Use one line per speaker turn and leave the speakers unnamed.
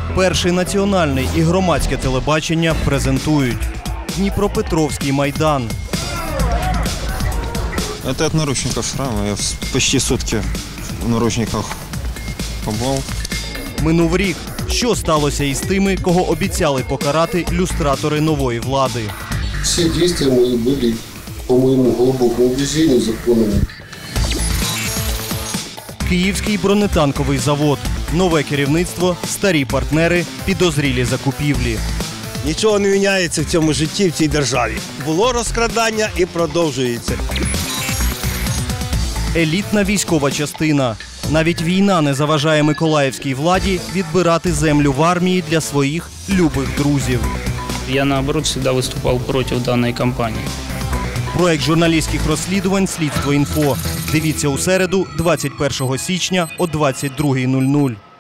Перший національний і громадське телебачення презентують Дніпропетровський майдан.
Это от наручников шрама. Я почти сутки в наручниках побыл.
Минув рік. Що сталося із тими, кого обіцяли покарати люстратори нової влади?
Все действия мои были, по моему глубокому убеждению, законными.
Київський бронетанковий завод. Нове керівництво, старі партнери, підозрілі закупівлі.
Нічого не міняється в цьому житті, в цій державі. Було розкрадання і продовжується.
Елітна військова частина. Навіть війна не заважає миколаївській владі відбирати землю в армії для своїх любих друзів.
Я, наоборот, всегда выступал против данной кампании.
Проект журналістських розслідувань «Слідство.Інфо». Дивіться у середу, 21 січня о 22:00.